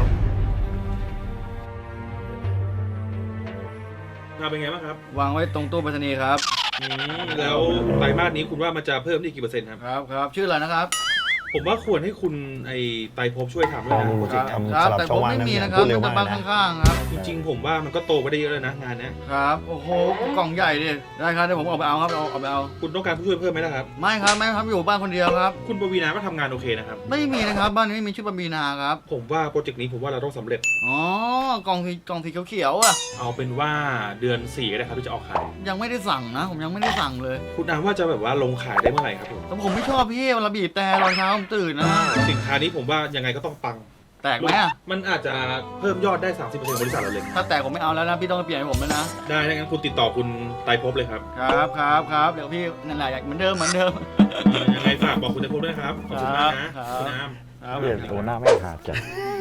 Speaker 8: ทำเป็นไงบ้างครับ
Speaker 10: วางไว้ตรงตู้ไปรษณีย์ครับ
Speaker 8: แล้วไตรมาสนี้คุณว่ามันจะเพิ่มได้กี่เปอร์เซ็นต์ครับ
Speaker 10: ครับชื่ออะไรนะครับ
Speaker 8: ผมว่าควรให้คุณไอ้ไตรภพช่วยทำด้วยนะ
Speaker 6: โปรเจกต์ทำ
Speaker 10: ครั
Speaker 6: สลับ
Speaker 10: แต่
Speaker 6: ช่
Speaker 10: ผ
Speaker 6: อง
Speaker 10: ม
Speaker 6: ว่าง
Speaker 10: ไม่
Speaker 6: นะ
Speaker 10: มีนะค
Speaker 6: พู
Speaker 10: รับ
Speaker 6: ดเร็ว
Speaker 10: แต่
Speaker 6: มาก
Speaker 10: บ้าน
Speaker 6: นะ
Speaker 10: ข้างๆครับ
Speaker 8: จริงๆ ผมว่ามันก็โตไปได้เยอะแล้วนะงานเนี้ย
Speaker 10: ครับ โอ้โห กล่องใหญ่ดิได้ครับเดี๋ยวผมออกไปเอาครับเอาไปเอา
Speaker 8: คุณต้องการผู้ช่วยเพิ่มไหมล่ะครับ
Speaker 10: ไม่ครับไม่ครับอยู่บ้านคนเดียวครับ
Speaker 8: คุณปวีณาก็ทำงานโอเคนะครับ
Speaker 10: ไม่มีนะครับบ้านนี้ไม่มีชื่อปมีนาครับ
Speaker 8: ผมว่าโปรเจกต์นี้ผมว่าเราต้องสำเร็จ
Speaker 10: อ๋อกล่องสีเขียวๆอ่ะ
Speaker 8: เอาเป็นว่าเดือน 4 ก็ได้ครับที่จะออกขาย
Speaker 10: ยังไม่ได้สั่งนะ ผมยังไม่ได้สั่งเลย
Speaker 8: คุณอามว่าจะแบบว่าลงขายได้เมื่อไหร่ครับผม
Speaker 10: แต่ผมไม่ชอบพี่เวลาบีบแต่ตอนเช้าผมตื่นนะ
Speaker 8: สินค้านี้ผมว่ายังไงก็ต้องปัง
Speaker 10: แตกไหมอ่ะ
Speaker 8: มันอาจจะเพิ่มยอดได้ 30%บริษัทเราเลย
Speaker 10: ถ้าแตกผมไม่เอาแล้วนะพี่ต้องเปลี่ยนให้ผมแล้วนะ
Speaker 8: ได้ถ้างั้นคุณติดต่อคุณไตรภพเลยครับ
Speaker 10: ครับเดี๋ยวพี่นั่นแหละอยากเหมือนเดิม
Speaker 8: ยังไงฝากบอกคุณไตรภพด้วยนะครับ ขอบคุณมากนะคุณอาม
Speaker 3: เปลี่ยนตัวหน้าไม่ขาดจ้ะ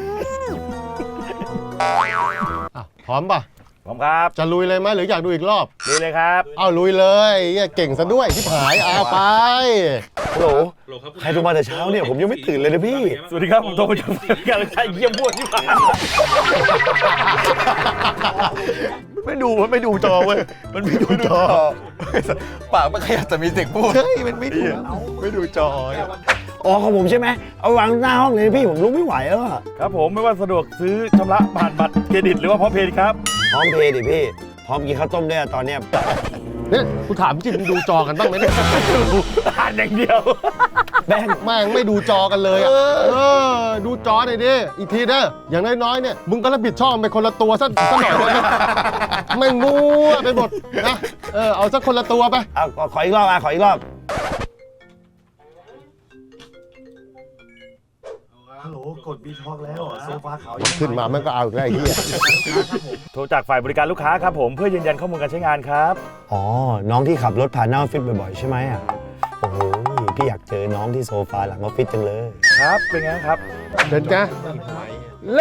Speaker 1: พร้อมป่ะ
Speaker 3: ผมครับ
Speaker 1: จะลุยเลยไหมหรืออยากดูอีกรอบ
Speaker 3: ดีเลยครับ
Speaker 1: เอาลุยเลยเหี้ยเก่งซะด้วยที่ผายเอาไป
Speaker 6: ฮัลโหล
Speaker 8: โหลครับคุณ
Speaker 6: ใครโทรมาแต่เช้าเนี่ยผมยังไม่ตื่นเลยนะพี่
Speaker 3: สวัสดีครับผมโทรมาจากการใช้เยี่ยมพวดที่ผ่าน
Speaker 2: ไม่ดูจอเว้ย มันไม่ดูจอ ปากมันขยับแต่มีเสียงพูด ใช่ มันไม่ดูจอ
Speaker 6: อ๋อของผมใช่ไหมเอาวางหน้าห้องเลยพี่ผมลุกไม่ไหวแล้วอะ
Speaker 3: ครับผมไม่ว่าสะดวกซื้อชำระผ่านบัตรเครดิตหรือว่าพร้อมเพย์ครับ
Speaker 6: พร้อมเพย์ดิพี่ พร้อมกินข้าวต้มด้วยอะตอนเนี้ย
Speaker 1: เนี่ยกูถามจริงมึงดูจอกันบ้างไหมเนี่ย
Speaker 3: อ่านอย่างเดียว
Speaker 1: แม่งไม่ดูจอกันเลยอ่ะดูจอหน่อยดิอีกทีเด้ออย่างน้อยๆเนี่ยมึงก็รับผิดชอบไปคนละตัวสักหน่อยได้ไหมไม่งูไปหมดนะเอาสักคนละตัวไป
Speaker 6: เอาขออีกรอบขออีกรอบ
Speaker 3: ฮัลโหลกดบีทอกแล้วโซฟาขาว
Speaker 1: ขึ้นมามันก็เอาอีกแล้วไอ้เหี้ย
Speaker 3: โทรจากฝ่ายบริการลูกค้าครับผมเพื่อยืนยันข้อมูลการใช้งานครับ
Speaker 6: อ๋อ น้องที่ขับรถผ่านหน้าออฟฟิศบ่อยๆใช่ไหมอ่ะ โอ้โห พี่อยากเจอน้องที่โซฟาหลังออฟฟิศจังเลย
Speaker 3: ครับเป็นไงครับ
Speaker 1: เป็นไงเละ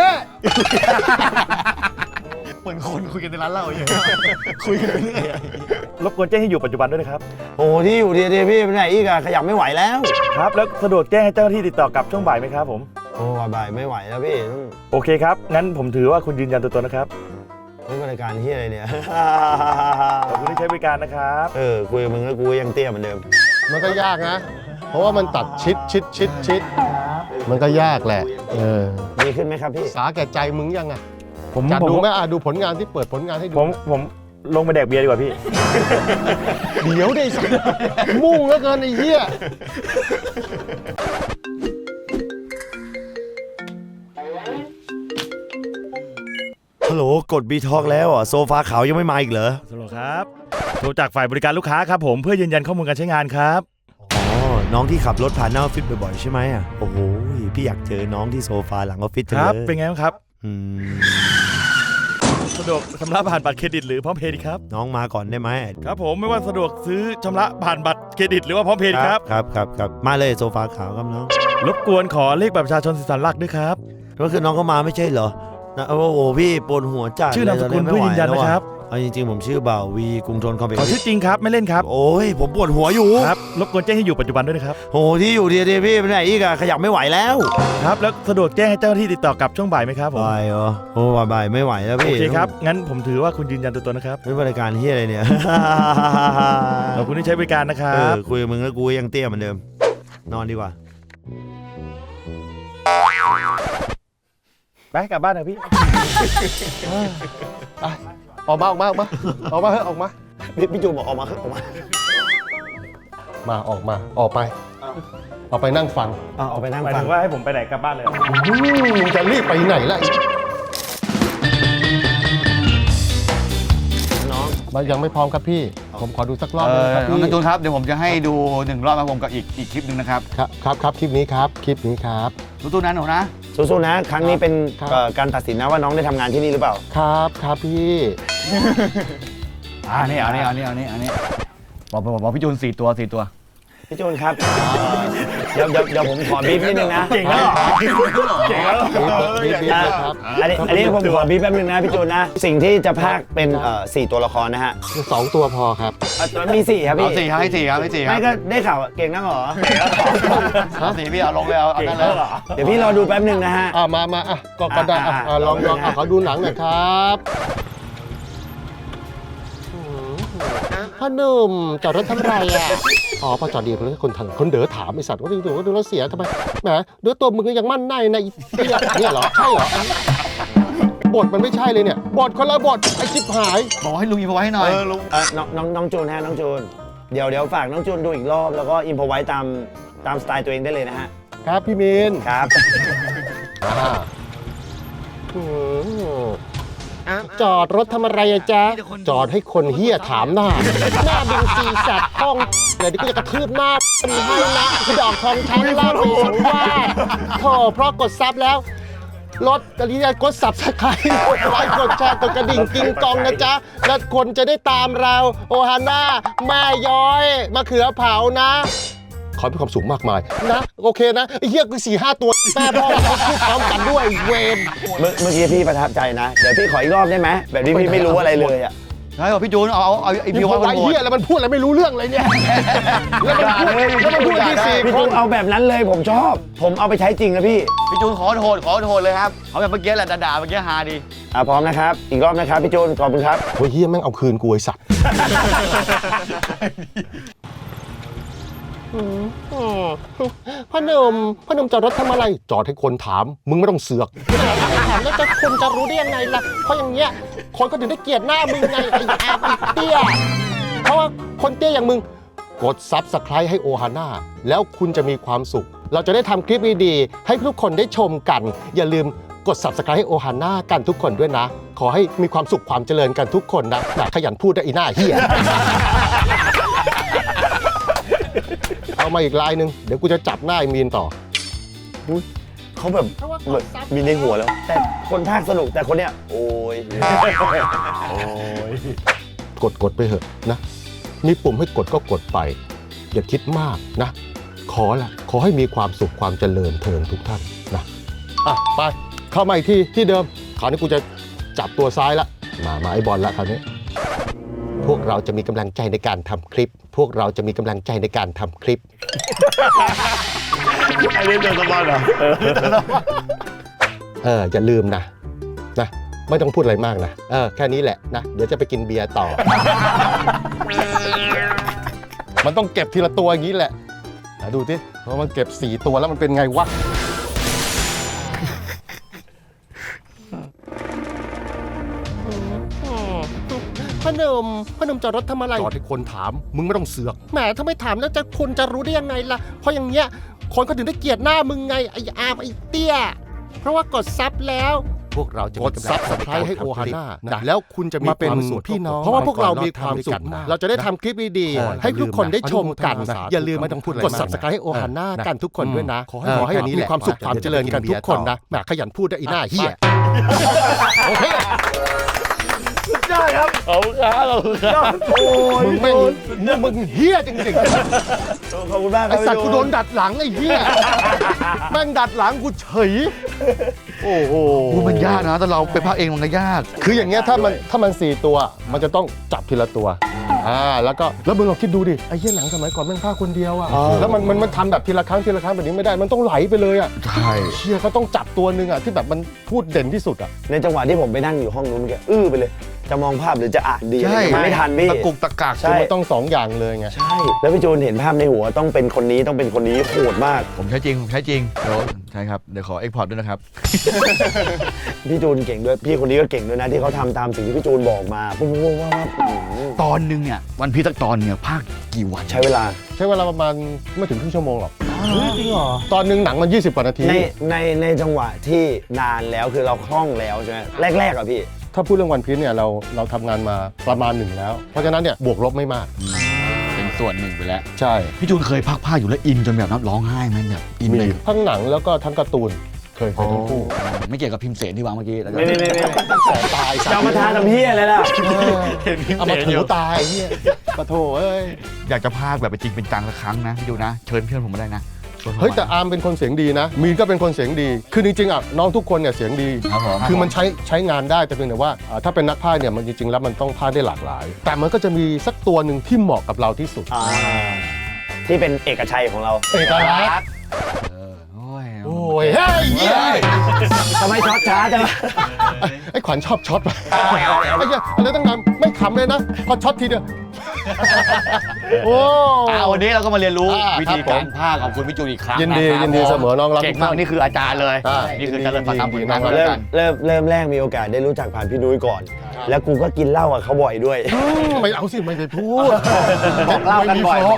Speaker 2: เหมือนคนคุยกันในร้านเหล้าอย่างคุยกันเรื่อย
Speaker 3: รบกวนแจ้งให้อยู่ปัจจุบันด้วยนะครับ
Speaker 6: โอ้ที่อยู่ดีๆพี่ไปไหนอีกอะขยับไม่ไหวแล้ว
Speaker 3: ครับแล้วสะดวกแจ้งให้เจ้าหน้าที่ติดต่อกลับช่วงบ่ายไหมครับผม
Speaker 6: โอ้บ่ายไม่ไหวแล้วพี่ต้อง
Speaker 3: โอเคครับงั้นผมถือว่าคุณยืนยันตัวตนนะครับ
Speaker 6: นี่บริการที่อะไรเนี่ย
Speaker 3: ขอบคุณที่ใช้บริการนะครับ
Speaker 6: คุยกับมึงแล้วกูยังเตี้ยเหมือนเดิม
Speaker 1: มันก็ยากนะ เพราะว่ามันตัดชิดมันก็ยากแหละ
Speaker 6: ดีขึ้นไหมครับพี่
Speaker 1: สาแก่ใจมึงยังไง
Speaker 3: ผม
Speaker 1: จัดดูไหมดูผลงานที่เปิดผลงานให้ดู
Speaker 3: ผมลงไปแดกเบียร์ดีกว่าพี่
Speaker 1: เดี๋ยวได้สักมุ่งแล้วเกินไอ้เหี้ย
Speaker 6: ฮัลโหลกดบีทอกแล้วโซฟาขาวยังไม่มาอีกเหรอ
Speaker 3: สวัสดีครับ โทรจากฝ่ายบริการลูกค้าครับผมเพื่อยืนยันข้อมูลการใช้งานครับ
Speaker 6: อ๋อ น้องที่ขับรถผ่านหน้าออฟฟิศบ่อยๆใช่ไหมอ่ะ โอ้โห พี่อยากเจอน้องที่โซฟาหลังออฟฟิศจัง
Speaker 3: ค
Speaker 6: เลย
Speaker 3: รับเป็นไงบ้างครับ
Speaker 6: อืม
Speaker 3: สะดวกชำระผ่านบัตรเครดิตหรือพร้อมเพย์ดีครับ
Speaker 6: น้องมาก่อนได้ไหม
Speaker 3: ครับผมไม่ว่าสะดวกซื้อชำระผ่านบัตรเครดิตหรือว่าพร้อมเพย์ดีครับ
Speaker 6: ครับมาเลยโซฟาขาวครับน้อง
Speaker 3: รบกวนขอเลขบัตรประชาชนสิสันหลักด้วยครับ
Speaker 6: ก็คือน้องก็มาไม่ใช่เหรอนะโอ้โหพี่ปวดหัวจัด
Speaker 3: ชื่อนามสกุล
Speaker 6: เลย
Speaker 3: เพื่อยืนยันนะครับ
Speaker 6: เอาจริงๆผมชื่อบ่าววีกรุงธนคอมเพล็ก
Speaker 3: ขอ
Speaker 6: ซ์
Speaker 3: ชื่อจริงครับไม่เล่นครับ
Speaker 6: โอ้ยผมปวดหัวอยู่
Speaker 3: ครับรบกวนแจ้งให้อยู่ปัจจุบันด้วยนะครับ
Speaker 6: โอ้ที่อยู่ดีๆพี่ไปไหนอีกอะขยับไม่ไหวแล้ว
Speaker 3: ครับแล้วสะดวกแจ้งให้เจ้าหน้าที่ติดต่อกลับช่วงบ่ายไหมครับผม
Speaker 6: บ่ายเหรอโอ้บ่ายไม่ไหวแล้ว
Speaker 3: โอ
Speaker 6: พี่
Speaker 3: เคครับงั้นผมถือว่าคุณยืนยันตัวตนนะครับ
Speaker 6: นี่บริการที่อะไรเนี่ย
Speaker 3: ขอบคุณที่ใช้บริการนะครับ
Speaker 6: คุยกับมึงแล้วกูยังเตี้ยเหมือนเดิม นอนดีกว่า
Speaker 3: ไปกลับบ้านนะพี่
Speaker 1: ออกมาเฮ้ยออกมา
Speaker 6: พี่จูนบอกออกมาออกมา
Speaker 1: ออกไปนั่งฟัง
Speaker 6: ออกไปนั่ง
Speaker 3: หมาย
Speaker 6: ฟั
Speaker 3: ถึ
Speaker 6: ง
Speaker 3: งว่าให้ผมไปไหนกลับบ้านเลย
Speaker 1: มึงจะรีบไปไหนล่ะ
Speaker 6: น้อง
Speaker 1: มันยังไม่พร้อมครับพี่ ผมขอดูสักรอบนึงครับ
Speaker 2: น้อง
Speaker 1: พี่
Speaker 2: นันจูนครับเดี๋ยวผมจะให้ดู1 รอบครับผมกับอีกคลิปหนึ่งนะครับ
Speaker 1: ครับคลิปนี้ครับ
Speaker 2: ตู้นั้นหนูนะ
Speaker 6: สู้ๆนะ ครั้งนี้เป็น
Speaker 1: ครับ
Speaker 6: การตัดสินนะว่าน้องได้ทำงานที่นี่หรือเปล่า
Speaker 1: ครับพี่
Speaker 2: อันนี้บอกพี่จูน4 ตัว
Speaker 6: พี่จูนครับ เดี๋ยวผมขอบีบนิดนึงนะ
Speaker 3: เก่งแล้วเหรอ
Speaker 1: บีบครับ
Speaker 6: อันนี้ผมขอบีบแป๊บนึงนะพี่จูนนะ สิ่งที่จะพากเป็น4 ตัวละครนะฮะ
Speaker 1: 2 ตัวพอครับ
Speaker 6: มี4ครับ
Speaker 2: เอา
Speaker 6: พี่
Speaker 2: 4ครับให้4ครับ
Speaker 6: ไม่ก็ได้ข่าวเก่งนักเหรอ
Speaker 2: เอา4พี่เอาลงเลยเอานั่นเลย
Speaker 6: เดี๋ยวพี่รอดูแป๊บนึงนะฮะ
Speaker 1: มาก็ได้ลองขอดูหนังหน่อยครับพ่อหนุ่มจอดรถทำไรอ่ะพอจอดดีเลยคนเด๋อถามไอสัตว์ว่าดูรถเสียทำไมแหมดูตัวมึงก็ยังมั่นในนะเนี่ยเหรอใช่เหรอบทมันไม่ใช่เลยเนี่ยบทคนละบทไอชิบหาย
Speaker 2: บอกให้ลุงอินพอไว้ให้หน่อย
Speaker 6: น้องจูนฮะน้องจูนเดี๋ยวฝากน้องจูนดูอีกรอบแล้วก็อินพอไว้ตามสไตล์ตัวเองได้เลยนะฮะ
Speaker 1: ครับพี่มิน
Speaker 6: ครับ
Speaker 1: จอดรถทำอะไรอะจ๊ะจอดให้คนเฮี้ยถามหน้าดึงซีสัตว์ห้องเดี๋ยวก็จะกระทืบหน้ามีให้นะดอกทองช้างล่าปีสังวาสโธ่เพราะกดซับแล้วรถกระดิ่งกดซับสไครต์กดไลค์กดแชร์กดกระดิ่งกิ้งกองนะจ๊ะแล้วคนจะได้ตามเราโอฮาน่าแม่ย้อยมะเขือเผานะขอให้มีความสุขมากมายนะโอเคนะไอ้เหี้ยคือ4-5 ตัวแม่พ่อเขาพูดพร้อมกันด้วยเวร
Speaker 6: เมื่อกี้พี่ประทับใจนะ เดี๋ยวพี่ขออีกรอบได้ไหมแบบนี้พี่ไม่รู้อะไรเลยอ่ะ
Speaker 2: ใช่บอกพี่จูนเอาไอ
Speaker 1: มี
Speaker 2: พี่
Speaker 1: ค
Speaker 2: ว่าน
Speaker 1: ไอ้เหี้ยแล้วมันพูดอะไรไม่รู้เรื่องเลยเนี่ยแล้วมันพูดที่4
Speaker 6: พี่
Speaker 1: ค
Speaker 6: จู
Speaker 1: น
Speaker 6: นเอาแบบนั้นเลยผมชอบ ผมเอาไปใช้จริงนะพี่
Speaker 2: พี่จูนขอโทษเลยครับเขาแบบเมื่อกี้แหละด่าเมื่อกี้ฮาดี
Speaker 6: พร้อมนะครับอีกรอบนะครับพี่จูนขอบคุณครับ
Speaker 1: โอ้ยเหี้ยแม่งเอาคืนกูไอ้สัตว์พ่อหนุ่มจอดรถทำอะไรจอดให้คนถามมึงไม่ต้องเสือกถามแล้วคนจะรู้ได้ยังไงล่ะเพราะอย่างเงี้ยคนก็ถึงได้เกลียดหน้ามึงไงไอ้อาไอ้เตี้ยเพราะว่าคนเตี้ยอย่างมึงกด Subscribe ให้โอฮาน่าแล้วคุณจะมีความสุข เราจะได้ทำคลิปดีๆให้ทุกคนได้ชมกัน อย่าลืมกด Subscribe ให้โอฮาน่ากันทุกคนด้วยนะ ขอให้มีความสุขความเจริญกันทุกคนนะขยันพูดได้อีหน้าเหี้ย เอามาอีกลายหนึ่งเดี๋ยวกูจะจับหน้าไอ้มีนต่อ
Speaker 6: เขาแบบมีในหัวแล้ว แต่คนภาคสนุกแต่คนเนี้ยโอ้ย
Speaker 1: กดไปเถอะนะมีปุ่มให้กดก็กดไป อย่าคิดมากนะขอให้มีความสุขความเจริญเทินทุกท่านนะไปเข้ามาอีกที่เดิมคราวนี้กูจะจับตัวซ้ายละมาไอ้บอลละคราวนี้พวกเราจะมีกำลังใจในการทำคลิป พวกเราจะมีกำลังใจในการทำคลิป
Speaker 3: ไอ้เล่นเดินสบายเหรอ
Speaker 1: อย่าลืมนะไม่ต้องพูดอะไรมากนะแค่นี้แหละนะเดี๋ยวจะไปกินเบียร์ต่อ มันต้องเก็บทีละตัวอย่างนี้แหละดูสิเพราะมันเก็บ4ตัวแล้วมันเป็นไงวะพนมจอดรถทำอะไรจอดให้คนถามมึงไม่ต้องเสือกแหมถ้าไม่ถามแล้วคนจะรู้ได้ยังไงล่ะเพราะอย่างเงี้ยคนเขาถึงได้เกลียดหน้ามึงไงไอ้อาร์มไอ้เตี้ยเพราะว่ากดซับแล้วพวกเราจะกดซับสไครต์ให้โอฮาน่านะแล้วคุณจะมีความสุขพี่น้องเพราะว่าพวกเรามีความสุขเราจะได้ทำคลิปดีๆให้ทุกคนได้ชมกันอย่าลืมไม่ต้องพูดกดซับสไครต์ให้โอฮาน่ากันทุกคนด้วยนะขอให้มีความสุขความเจริญกันทุกคนนะแหมขยันพูดได้อีหน้าเหี้ยโอเค
Speaker 3: ได้ครับขอบคุณครับโอ้ย
Speaker 1: มึงเฮี้ยจริง
Speaker 6: ขอบคุณมาก
Speaker 1: ๆไอสัตว์กูโดนดัดหลังไอ้เฮี้ยแม่งดัดหลังกูเฉยโอ้โห
Speaker 10: มันยากนะแต่เราไปพากเองมันก็ยาก
Speaker 1: คืออย่างเงี้ยถ้ามัน4ตัวมันจะต้องจับทีละตัวแล้วมึงลองคิดดูดิไอ้เหี้ยหนังสมัยก่อนแม่งพากคนเดียวอ่ะแล้วมันทำแบบทีละครั้งแบบนี้ไม่ได้มันต้องไหลไปเลยอ่ะ
Speaker 10: ใช่
Speaker 1: เชี่ยเขาต้องจับตัวนึงอ่ะที่แบบมันพูดเด่นที่สุดอ่ะ
Speaker 6: ในจังหวะที่ผมไปนั่งอยู่ห้องนู้นแกไปเลยจะมองภาพหรือจะอ่านดี
Speaker 10: ใช่
Speaker 6: ไม่ทันพี่
Speaker 10: ตะกุกตะกัก
Speaker 6: ใช่
Speaker 1: มันต้อง2อย่างเลยไง
Speaker 6: ใช่แล้วพี่จูนเห็นภาพในหัวต้องเป็นคนนี้โหดมาก
Speaker 10: ผมใช้จริงเดี๋ยวใช่ครับเดี๋ยวขอเอ็กพอร์ตด้วยนะครับ
Speaker 6: พี่จูนเก่งด้วยพี่คนนี้ก็เก่งด้วยนะที่เขาทำตามสิ่งที่พี่จูนบอกมาปุ๊บ
Speaker 10: ตอนนึงเนี่ยวันพีสักตอนเนี่ยภาคกี่วัน
Speaker 6: ใช้เวลา
Speaker 1: ประมาณไม่ถึงครึ่งชั่วโมงหรอกจริงเหรอตอนนึงหนังมัน20 กว่านาที
Speaker 6: ในจังหวะที่นานแล้วคือเราคล่องแล้วใช่ไหมแรกๆอ่ะพี่
Speaker 1: ถ้าพูดเรื่องวันพีซเนี่ยเราทำงานมาประมาณ1แล้วเพราะฉะนั้นเนี่ยบวกลบไม่มาก
Speaker 10: เป็นส่วนหนึ่งไปแล้ว
Speaker 1: ใช่
Speaker 10: พี่จูนเคยภาคอยู่แล้วอินจนแบบน้ำร้องไห้ไหมแบบอินเลย
Speaker 1: ทั้งหนังแล้วก็ทั้งการ์ตูนเคยทั้งคู่
Speaker 10: ไม่เกี่ยวกับพิมพ์เสนที่วางเมื่อกี้
Speaker 6: ไม่ตายจะมาทานน้ำเฮียเลยล่ะ
Speaker 1: เอามาถูตายเฮียปะโถเอ้ย
Speaker 10: อยากจะภาคแบบเป็นจริงเป็นจังสักครั้งนะพี่จูนนะเชิญเพื่อนผมมาได้นะ
Speaker 1: เฮ้ยแต่อาร์มเป็นคนเสียงดีนะมีนก็เป็นคนเสียงดีคือจริงๆอ่ะน้องทุกคนเนี่ยเสียงดีคือมันใช้งานได้แต่เพียงแต่ว่าถ้าเป็นนักพากย์เนี่ยมันจริงๆแล้วมันต้องพากย์ได้หลากหลายแต่มันก็จะมีสักตัวหนึ่งที่เหมาะกับเราที่สุด
Speaker 6: ที่เป็นเอกชัยของเรา
Speaker 1: เอกลักษณ์โอ้ยเฮ้ย
Speaker 6: ทำไมช็อตช้าจัง
Speaker 1: ไอ้ขวัญชอบช็อตไปไอ้เหี้ยอะไรตั้งนานไม่ขำเลยนะพอช็อตทีเดียว
Speaker 10: โอ้วันนี้เราก็มาเรียนรู้วิธีการพากย์ของคุณพี่จูนอีกครั้ง
Speaker 1: ยินดีเสมอน้องรัก
Speaker 10: เก่งมากนี่คืออาจารย์เลยนี่คือเจริญตามผลงาน
Speaker 6: เริ่มแรกมีโอกาสได้รู้จักผ่านพี่นุ้ยก่อนแล้วกูก็กินเหล้ากับเขาบ่อยด้วย
Speaker 1: ไม่เอาสิไม่ไปพูด
Speaker 6: บอกเล่ากันบ่อยบอก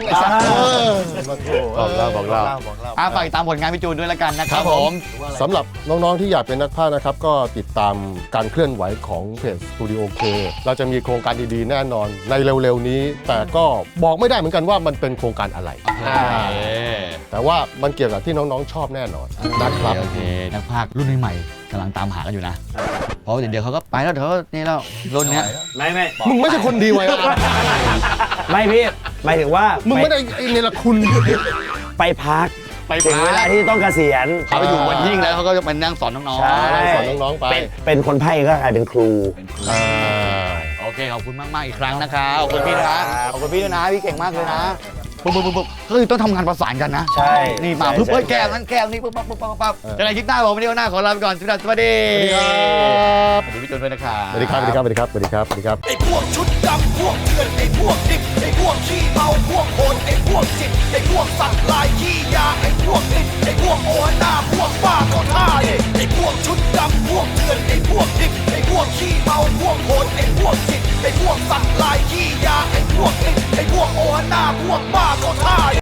Speaker 10: เล่าฝากตามผลงานพี่จูนด้วยละกันนะครับผม
Speaker 1: สำหรับน้องๆที่อยากเป็นนักพากย์นะครับก็ติดตามการเคลื่อนไหวของเพจ Studio K เราจะมีโครงการดีๆแน่นอนในเร็วๆนี้แต่ก็บอกไม่ได้เหมือนกันว่ามันเป็นโครงการอะไรแต่ว่ามันเกี่ยวกับที่น้องๆชอบแน่นอนนะครับ
Speaker 10: โอเคนักพากย์รุ่นใหม่กำลังตามหากันอยู่นะเพราะเดี๋ยวเขาก็ไปแล้วเดี๋ยวนี่แล้วรุ่นเนี้ย
Speaker 6: ไม่
Speaker 1: มึงไม่ใช่คนดีไว้
Speaker 6: ไม่พี่หมายถึงว่า
Speaker 1: มึงไม่ได้เนรคุณ
Speaker 6: ไปพักถึงเวลาที่ต้องเกษียณ
Speaker 10: เขาไปอยู่วันยิ่งแล้วเขาก็จะมานั่งสอนน้อง
Speaker 1: ๆสอนน้องๆไป
Speaker 6: เป็นคนไพ่ก็กลายเป็นครู
Speaker 10: โอเคขอบคุณมากๆอีกครั้งนะครับขอบคุณพี่นะขอบคุณพี่ด้วยนะพี่เก่งมากเลยนะปุ๊บก็คือต้องทำงานประสานกันนะ
Speaker 6: ใช่
Speaker 10: นี่มาปุ๊บแก้วนั้นแก้วนี้ปุ๊บจะไหนคลิปหน้าผมวันนี้หน้าขอลาไปก่อนสวัสดีครับสวัสดีพี่จูนด้วยนะครับ
Speaker 1: สวัสดีครับ
Speaker 11: ไอ้พวกชุดดำพวกเถื่อนไอ้พวกดิบไอ้พวกขี้เมาพวกโหดไอ้พวกจิตไอ้พวกสัตว์ลายขี้ยาไอ้พวกดิบไอ้พวกโอหน้าพวกบ้าก็ท่าไอ้พวกชุดดำพวกเถื่อนไอ้พวกดิบไอ้พวกขี้เมาพวกกโหดไอ้พวกจิตไอ้พวกสัตว์ลายขี้ยาไอ้พวกติดไอ้พวกโอหน้าพวกบ้าก็ท่า